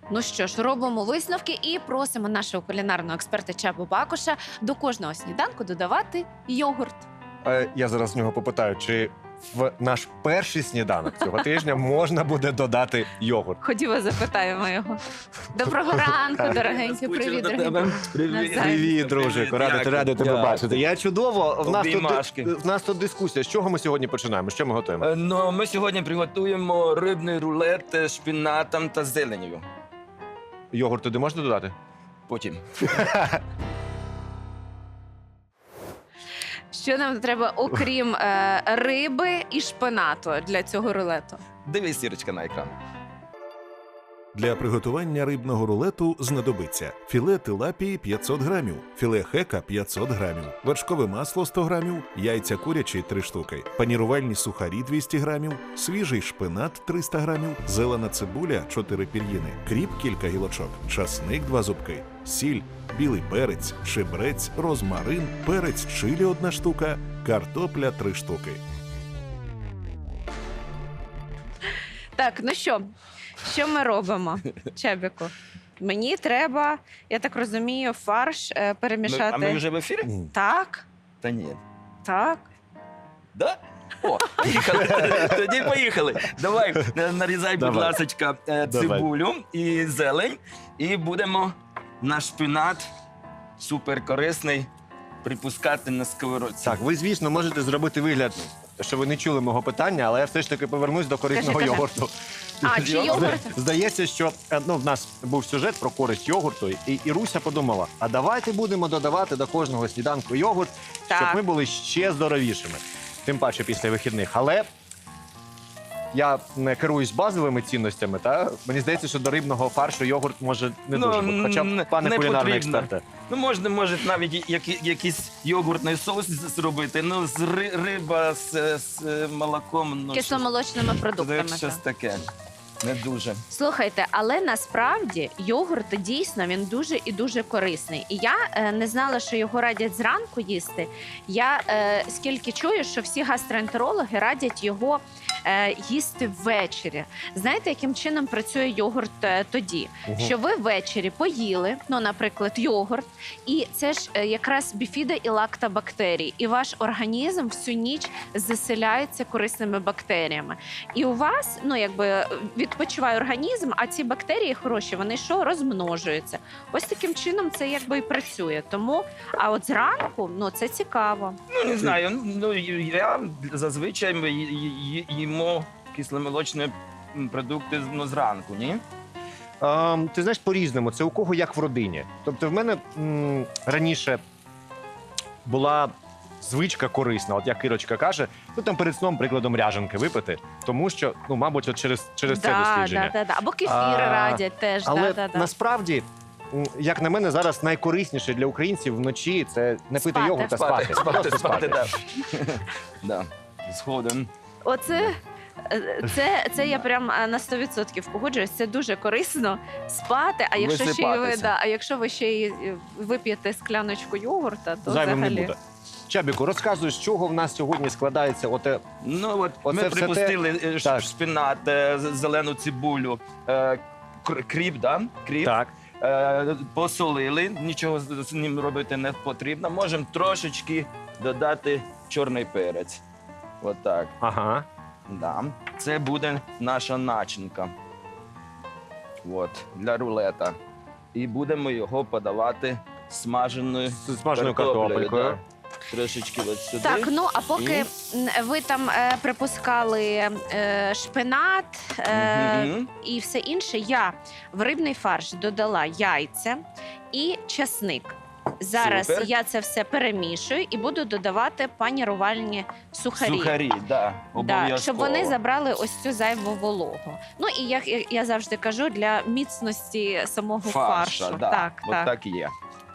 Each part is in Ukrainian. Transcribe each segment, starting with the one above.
Ну що ж, робимо висновки і просимо нашого кулінарного експерта Чабу Бакуша до кожного сніданку додавати йогурт. Я зараз в нього попитаю, чи в наш перший сніданок цього тижня можна буде додати йогурт. Ходімо, запитаємо його. Доброго ранку, дорогенький. Привіт, дорогенький. Привіт. Привіт, дружику, радий тебе Дякую. бачити. Я чудово. Обіймашки. В нас тут дискусія. З чого ми сьогодні починаємо? Що ми готуємо? Ну, ми сьогодні приготуємо рибний рулет з шпинатом та зеленью. Йогурт туди можна додати? Потім. Що нам треба, окрім риби і шпинату для цього рулету? Дивись, Сірочка, на екран. Для приготування рибного рулету знадобиться філе тилапії 500 грамів, філе хека 500 грамів, вершкове масло 100 грамів, яйця курячі 3 штуки, панірувальні сухарі 200 грамів, свіжий шпинат 300 грамів, зелена цибуля 4 пір'їни, кріп кілька гілочок, часник 2 зубки, сіль, білий перець, чебрець, розмарин, перець чилі 1 штука, картопля 3 штуки. Так, ну що ми робимо, Чебіку? Мені треба, я так розумію, фарш перемішати. А ми вже в ефірі? Так, Та ні. так. Да? О, поїхали. Тоді поїхали. Давай, нарізай, будь Давай. ласочка, цибулю і зелень. І будемо наш шпинат суперкорисний припускати на сковородці. Так, ви, звісно, можете зробити вигляд, що ви не чули мого питання, але я все ж таки повернусь до корисного Кажи. йогурту. А, чи йогурт? Здається, що в нас був сюжет про користь йогурту, і Руся подумала, а давайте будемо додавати до кожного сніданку йогурт, щоб Так. ми були ще здоровішими. Тим паче після вихідних. Але я не керуюсь базовими цінностями, та мені здається, що до рибного фаршу йогурт може не дуже бути. Хоча б, пане не кулінарний потрібно. експерте. Ну, може навіть якийсь йогуртний соус зробити. Ну, риба з молоком. Ну, Кисломолочними продуктами. щось так. таке. Не дуже. Слухайте, але насправді йогурт дійсно він дуже і дуже корисний. І я не знала, що його радять зранку їсти. Я скільки чую, що всі гастроентерологи радять його їсти ввечері. Знаєте, яким чином працює йогурт тоді? Угу. Що ви ввечері поїли, ну, наприклад, йогурт, і це ж якраз біфіда і лактобактерії, і ваш організм всю ніч заселяється корисними бактеріями. І у вас, ну, якби відпочиває організм, а ці бактерії хороші, вони що? Розмножуються. Ось таким чином це якби і працює. Тому, а от зранку, ну, це цікаво. Ну, не знаю. Ну, я зазвичай їмо кисломолочні продукти зранку, ні? Ти знаєш, по-різному. Це у кого як в родині. Тобто в мене раніше була звичка корисна, от як Ірочка каже, ну там перед сном, прикладом, ряженки випити, тому що, ну, мабуть, от через це дослідження. Да. Або кефір радять теж. Але насправді, як на мене, зараз найкорисніше для українців вночі це не пити Спати. йогурт, а спати. Просто Спати, да. Да. Згоден. Оце це я прям на 100% погоджуюсь. Це дуже корисно спати. А якщо ще й ви, Висипатися. а якщо ви ще й вип'єте скляночку йогурта, то Зайвим не взагалі. буде. Чабіку, розказуй, з чого в нас сьогодні складається оте. Ну, от Оце ми все припустили Так. шпинат, зелену цибулю, кріп, да? Кріп. Так. Посолили, нічого з ним робити не потрібно. Можемо трошечки додати чорний перець. Отак. Ага. Да. Це буде наша начинка. От, для рулета. І будемо його подавати смаженою З смаженою картопелькою. Да. Трошечки от сюди. Так, ну а поки ви там припускали шпинат Мгм. і все інше, я в рибний фарш додала яйця і часник. Зараз Супер. я це все перемішую і буду додавати панірувальні сухарі. Сухарі, да, обов'язково. Да, щоб вони забрали ось цю зайву вологу. Ну і як я завжди кажу, для міцності самого фаршу. Да. Так, От так. так і є.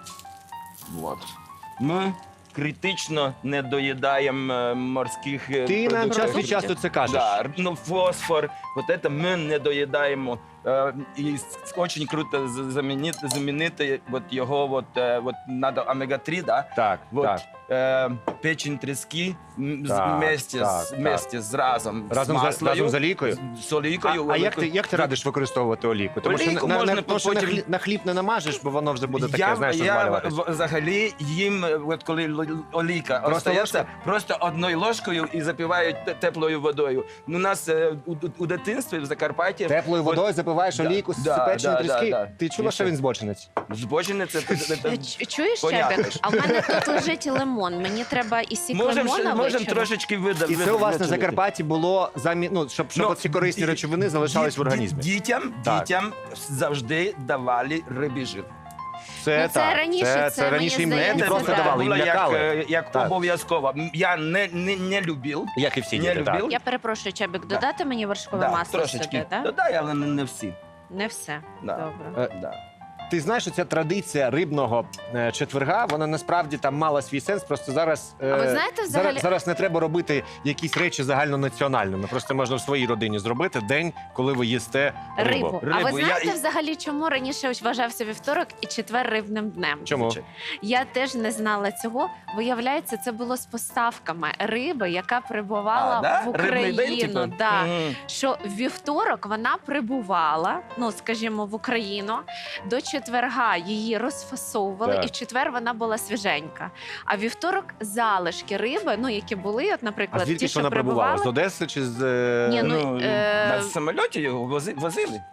От. Ми критично не доїдаємо морських Ти нам час від продуктів. часу це кажеш. Да, ну, фосфор, от це ми не доїдаємо і дуже круто замінити от його, от надо омега-3, да? Так, Вот, так. печень трески Так, вместе, так, вместе з разом Разом з олійкою? З олійкою. А як ти радиш використовувати олійку? Тому що Олійку можна тому що потім- на хліб не намажеш, бо воно вже буде таке, Я знаєш, розвалюватись. взагалі їм, от коли олійка Просто остається, ложкою? просто одною ложкою і запивають теплою водою. У нас у дитинстві в Закарпатті Теплою водою запиваєш Да, олійку з да, печені да, тріски? да. Ти чула, що він збочинець? збочене це Чуєш, Понятно. Чебік? А в мене тут лежить лимон. Мені треба і сік лимона можемо вичавити. трошечки І це у вас на видавити. Закарпатті було щоб Ну, ці корисні і- речовини залишались в організмі. Дітям завжди давали рибий жир. Це Ну, це раніше, це, раніше мені їм не здається, просто да. давали, їм Було лякали. як Так. обов'язково. Я не любив. Як і всі Не діти, так. любив. Я перепрошую, Чебік, додати мені вершкове Да, масло трошечки сюди, так? додай, але не всі. Не все. Да. Добре. Да. Ти знаєш, що ця традиція рибного четверга, вона насправді там мала свій сенс. Просто зараз, А ви знаєте, взагалі- зараз не треба робити якісь речі загальнонаціональними. Просто можна в своїй родині зробити день, коли ви їсте рибу. Рибу. А ви Рибу. Я- знаєте взагалі, чому раніше вважався вівторок і четвер рибним днем? Чому? Я теж не знала цього. Виявляється, це було з поставками риби, яка прибувала да? в Рибний день, Україну. типу? Да. Мгм. Що в вівторок вона прибувала, ну скажімо, в Україну. До четверга її розфасовували, Так. і в четвер вона була свіженька. А вівторок залишки риби, ну які були, от, А наприклад, звідки ті, ж що вона прибувала? прибували. З Одеси чи з Ні, ну, На самольоті його возили.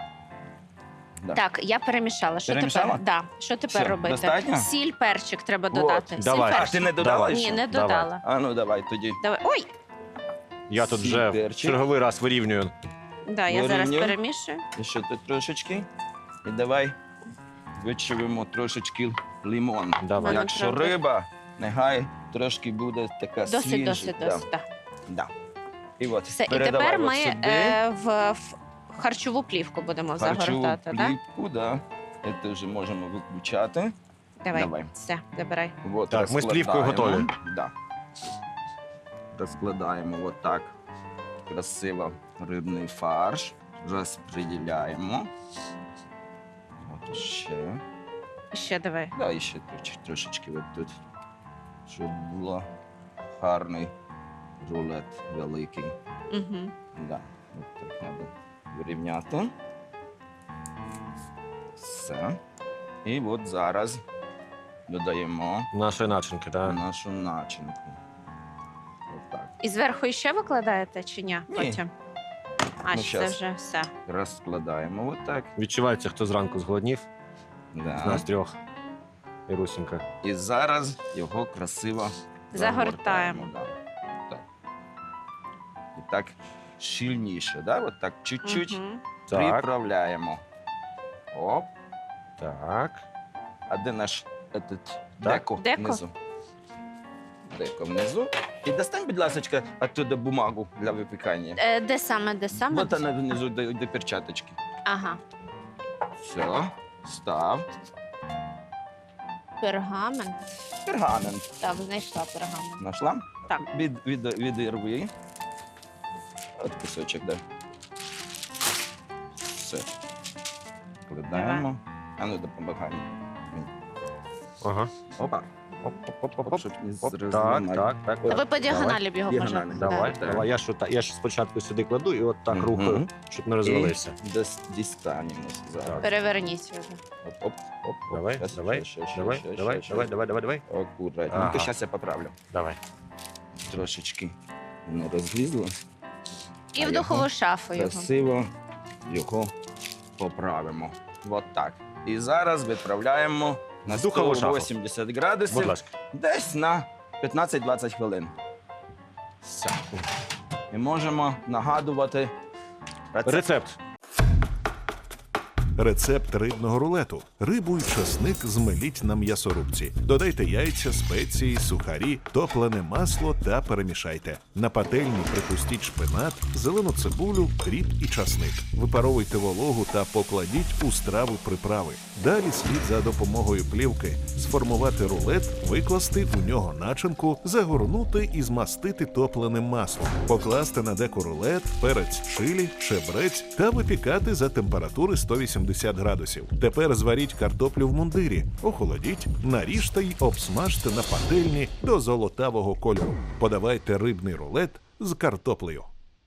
Да. Так, я перемішала. Що Перемішала? тепер? Да. Що тепер Все, робити? достатньо? Сіль, перчик треба Вот. додати. Давай. Сіль, А, перчик. ти не додала Давай. Ні, ще? не Давай. додала. А ну давай тоді. Давай. Ой! Я тут Сіль, вже в перчик. черговий раз вирівнюю. Да, я зараз Вирівнюй. перемішую. І ще тут трошечки. І давай вичавимо трошечки лимон. Давай. Мене Якщо правда. риба, нехай трошки буде така Досить, свіжа. досить, досить. Да. Да. І от, Все, і передавай тепер от ми сюди. в харчову плівку будемо Харчову загортати. Да? плівку, да. Це вже можемо виключати. Давай. Давай. Все, забирай. От, Так, ми з плівкою розкладаємо. готові. Да. Розкладаємо отак красиво рибний фарш. Розподіляємо. От ще. Ще давай. Да, і ще трошечки от тут. Щоб було гарний рулет великий. Угу. Да. От так треба вирівняти. Все. І от зараз додаємо Нашої начинки, так. нашу начинку. Отак. І зверху ще викладаєте чи ні? Ні. Потім. А, Ну, це щас. вже все. Розкладаємо отак. Відчувається, хто зранку зголоднів, з Да. нас трьох. І Русінька. І зараз його красиво Загортаємо. Да. Так. І так щільніше, да? От так чуть-чуть Мгм. Так, приправляємо. Оп. так. А де наш деко Деко? внизу? Деко внизу. І достань, будь ласка, оттуда бумагу для випікання. Де саме, де саме? Вот вона внизу до перчаточки. Ага. Все, став. Пергамент. Пергамент. Так, знайшла пергамент. Нашла? Так. Відірви. От кусочок, да. Все. Кладаємо. А ну допомагай. Ага. Опа. Оп. Щоб не Оп, так, зламати. так, так. А так. ви по діагоналі б його Діагонально. можете. Давай, Да. давай. Я ж спочатку сюди кладу і от так Мгм. рухаю, щоб не розвалився. І дістанемо зараз. Переверніть його. Оп. Давай, Щас, давай, щас, щас, давай, щас, давай, щас, давай, щас. давай, давай, давай. Акуратненько. Ага. Зараз я поправлю. Давай. Трошечки не розлізло. І А в духову шафу його. Красиво його поправимо. От так. І зараз відправляємо на В духову шафу. 180 Будь градусів ласка. десь на 15-20 хвилин. Все. І можемо нагадувати Рецепт. Рецепт рибного рулету. Рибу й часник змеліть на м'ясорубці. Додайте яйця, спеції, сухарі, топлене масло та перемішайте. На пательні припустіть шпинат, зелену цибулю, кріп і часник. Випаровуйте вологу та покладіть у страву приправи. Далі слід за допомогою плівки сформувати рулет, викласти у нього начинку, загорнути і змастити топленим маслом. Покласти на деко рулет, перець чилі, чебрець та випікати за температури 180 градусів. Тепер зваріть картоплю в мундирі, охолодіть, наріжте й обсмажте на пательні до золотавого кольору. Подавайте рибний рулет з картоплею.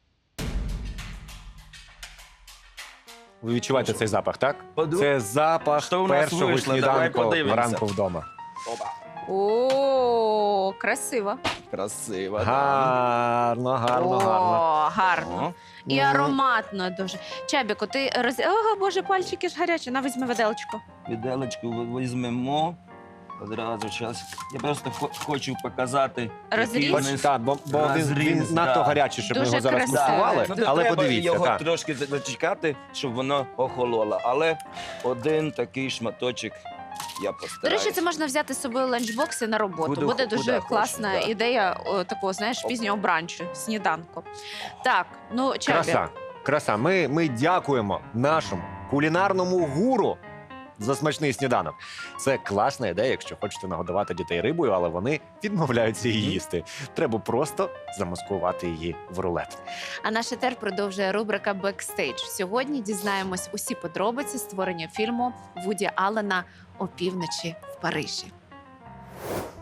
Ви відчуваєте цей запах, так? Це запах Що у нас першого вийшло? Давай сніданку подивимося. вранку вдома. Опа. О, красиво. Красиво. да. Гарно, гарно, гарно. О, гарно. О, І ароматно дуже. Чабіко, ти Ого, боже, пальчики ж гарячі. На, візьми виделочку. Віделочку візьмемо. Одразу зараз. Я просто хочу показати. Розріз. який Бач, у нас так, бо він розріз, надто да. гарячий, щоб ми Дуже його зараз красиво. куштували. Ну, то Але треба подивіться, його так. трошки зачекати, щоб воно охололо. Але один такий шматочок я До постараюсь. речі, це можна взяти з собою ланчбокси на роботу. Куди Буде куди дуже хочеш, класна да. ідея такого, знаєш, пізнього бранчу, сніданку. Так, ну, Чабі. Краса, краса. Ми дякуємо нашому кулінарному гуру за смачний сніданок. Це класна ідея, якщо хочете нагодувати дітей рибою, але вони відмовляються її їсти. Треба просто замаскувати її в рулет. А наш етер продовжує рубрика «Бекстейдж». Сьогодні дізнаємось усі подробиці створення фільму Вуді Аллена «Опівночі в Парижі».